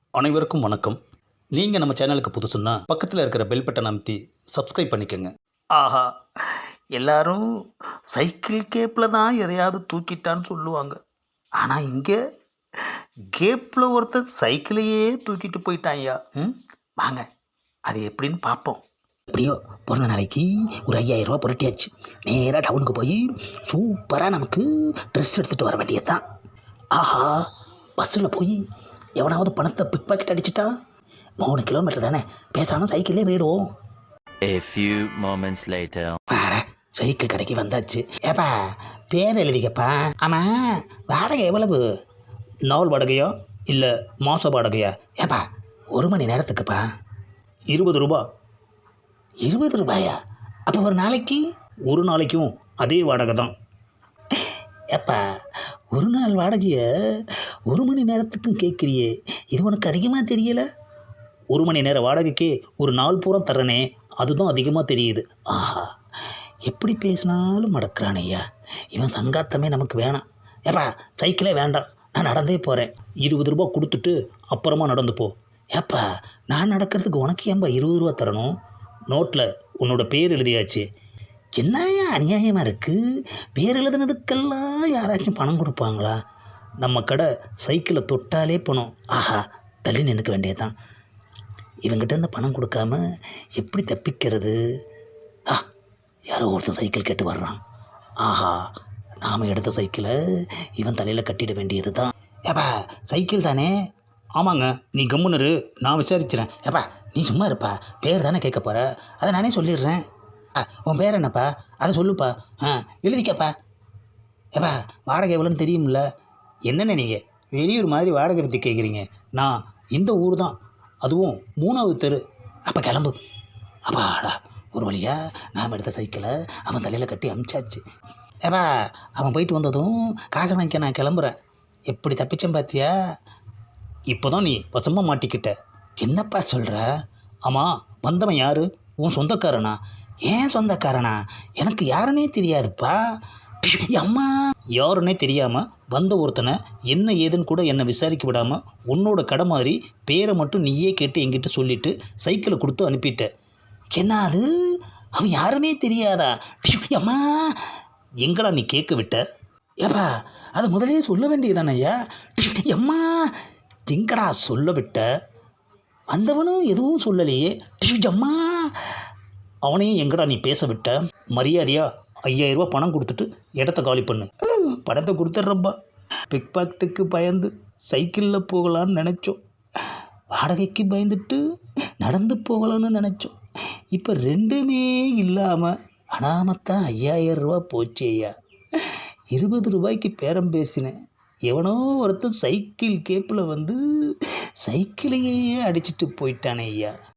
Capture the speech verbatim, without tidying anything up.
அனைவருக்கும் வணக்கம். நீங்கள் நம்ம சேனலுக்கு புதுசுன்னா பக்கத்தில் இருக்கிற பெல் பட்டனை அமைத்தி சப்ஸ்கிரைப் பண்ணிக்கோங்க. ஆஹா, எல்லாரும் சைக்கிள் கேப்பில் தான் எதையாவது தூக்கிட்டான்னு சொல்லுவாங்க. ஆனால் இங்கே கேப்பில் ஒருத்தன் சைக்கிளையே தூக்கிட்டு போயிட்டான்யா. ம் வாங்க, அது எப்படின்னு பார்ப்போம். எப்படியோ பிறந்த நாளைக்கு ஒரு ஐயாயிரம் ரூபா புரட்டியாச்சு. நேராக டவுனுக்கு போய் சூப்பராக நமக்கு ட்ரெஸ் எடுத்துகிட்டு வர வேண்டியது தான். ஆஹா, பஸ்ஸில் போய் எவனாவது பணத்தை பிக் பாக்கெட் அடிச்சிட்டா மூணு கிலோமீட்டர் தானே, பேசாமல் சைக்கிளே போயிடுவோம். A few moments later. பாட சைக்கிள் கடைக்கு வந்தாச்சு. ஏப்பா பேர் எழுதிக்கப்பா. ஆமாம், வாடகை எவ்வளவு? நாள் வாடகையா இல்லை மாத வாடகையா? ஏப்பா ஒரு மணி நேரத்துக்குப்பா. இருபது ரூபா. இருபது ரூபாயா? அப்போ ஒரு நாளைக்கு? ஒரு நாளைக்கும் அதே வாடகை தான். ஏப்பா ஒரு நாள் வாடகையை ஒரு மணி நேரத்துக்கும் கேட்குறியே, இது உனக்கு அதிகமாக தெரியல? ஒரு மணி நேர வாடகைக்கே ஒரு நாள் பூரா தர்றனே, அதுதான் அதிகமாக தெரியுது. ஆஹா, எப்படி பேசினாலும் மடக்கிறான் ஐயா. இவன் சங்காத்தமே நமக்கு வேணாம். ஏப்பா சைக்கிளே வேண்டாம், நான் நடந்தே போகிறேன். இருபது ரூபா கொடுத்துட்டு அப்புறமா நடந்து போ. ஏப்பா நான் நடக்கிறதுக்கு உனக்கு ஏன்பா இருபது ரூபா தரணும்? நோட்டில் உன்னோட பேர் எழுதியாச்சு. என்னையா அநியாயமாக இருக்குது? பேர் எழுதுனதுக்கெல்லாம் யாராச்சும் பணம் கொடுப்பாங்களா? நம்ம கடை சைக்கிளை தொட்டாலே பணம். ஆஹா, தள்ளி நினைக்க வேண்டியதுதான். இவங்கிட்ட இருந்து பணம் கொடுக்காம எப்படி தப்பிக்கிறது? ஆ, யாரோ ஒருத்தன் சைக்கிள் கேட்டு வர்றான். ஆஹா, நாம் எடுத்த சைக்கிளை இவன் தலையில் கட்டிட வேண்டியது தான். ஏப்பா சைக்கிள் தானே? ஆமாங்க, நீ கம்முனரு, நான் விசாரிக்கிறேன். ஏப்பா நீ சும்மா இருப்பா, பேர் தானே கேட்க போகிற, அதை நானே சொல்லிடுறேன். ஆ, உன் பேர் என்னப்பா? அதை சொல்லுப்பா. ஆ, எழுதிக்கப்பா. ஏப்பா வாடகை எவ்வளோன்னு தெரியும்ல? என்னென்ன நீங்கள் வெளியூர் மாதிரி வாடகை பற்றி கேட்குறீங்க? நான் இந்த ஊர் தான், அதுவும் மூணாவது தெரு. அப்போ கிளம்பு. அப்பாடா, ஒரு வழியா நாம் எடுத்த சைக்கிளை அவன் தலையில் கட்டி அமிச்சாச்சு. ஏப்பா அவன் போயிட்டு வந்ததும் காசை வாங்கிக்க நான் கிளம்புறேன். எப்படி தப்பிச்சேன் பார்த்தியா? இப்போ தான் நீ வசமாக மாட்டிக்கிட்ட. என்னப்பா சொல்கிற? ஆமாம், வந்தவன் யார்? உன் சொந்தக்காரனா? ஏன் சொந்தக்காரனா? எனக்கு யாருன்னே தெரியாதுப்பா. அம்மா, யாருன்னே தெரியாமல் வந்த ஒருத்தனை என்ன ஏதுன்னு கூட என்னை விசாரிக்க விடாமல் உன்னோட கடை மாதிரி பேரை மட்டும் நீயே கேட்டு என்கிட்ட சொல்லிவிட்டு சைக்கிளை கொடுத்து அனுப்பிட்ட. என்ன அது? அவன் யாருன்னே தெரியாதா? அம்மா, எங்கடா நீ கேட்க விட்ட? ஏப்பா அதை முதலே சொல்ல வேண்டியதானய்யா. அம்மா, எங்கடா சொல்ல விட்ட? வந்தவனும் எதுவும் சொல்லலையே. அம்மா, அவனையும் எங்கடா நீ பேச விட்ட? மரியாதையா ஐயாயிரம் ரூபா பணம் கொடுத்துட்டு இடத்த காலி பண்ணு. பணத்தை கொடுத்துட்றப்பா. பிக் பாக்கெட்டுக்கு பயந்து சைக்கிளில் போகலான்னு நினச்சோம், வாடகைக்கு பயந்துட்டு நடந்து போகலான்னு நினச்சோம். இப்போ ரெண்டுமே இல்லாமல் அனாமத்தான் ஐயாயிரம் ரூபா போச்சு ஐயா. இருபது ரூபாய்க்கு பேரம் பேசினேன். எவனோ ஒருத்தன் சைக்கிள் கேப்பில் வந்து சைக்கிளையே அடிச்சிட்டு போயிட்டானே ஐயா.